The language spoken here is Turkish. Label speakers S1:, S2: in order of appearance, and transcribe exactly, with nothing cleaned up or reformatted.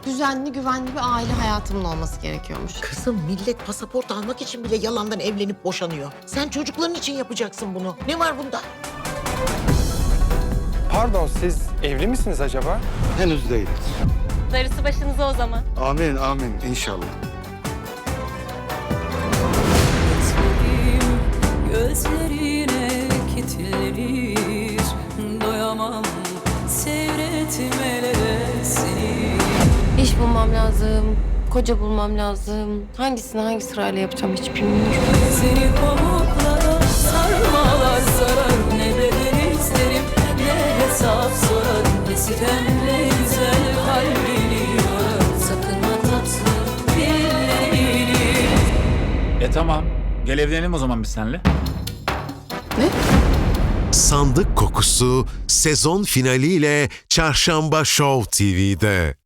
S1: düzenli, güvenli bir aile hayatımın olması gerekiyormuş.
S2: Kızım millet pasaport almak için bile yalandan evlenip boşanıyor. Sen çocukların için yapacaksın bunu. Ne var bunda?
S3: Pardon, siz evli misiniz acaba?
S4: Henüz değil.
S5: Darısı başınıza o zaman.
S4: Amin, amin inşallah.
S6: Gözlerine kilitlenir, doyamam seyretmelere seni.
S1: İş bulmam lazım, koca bulmam lazım. Hangisini hangi sırayla yapacağım hiç bilmiyorum.
S6: Seni pamuklara sarmalar sarar, ne bedel isterim ne hesap sorarım. Ne sitem ne güzel kalbini yorar, sakın ha tatlım dillerini.
S7: E tamam. Gel evlenelim o zaman biz seninle.
S8: Sandık Kokusu sezon finaliyle Çarşamba Show T V'de.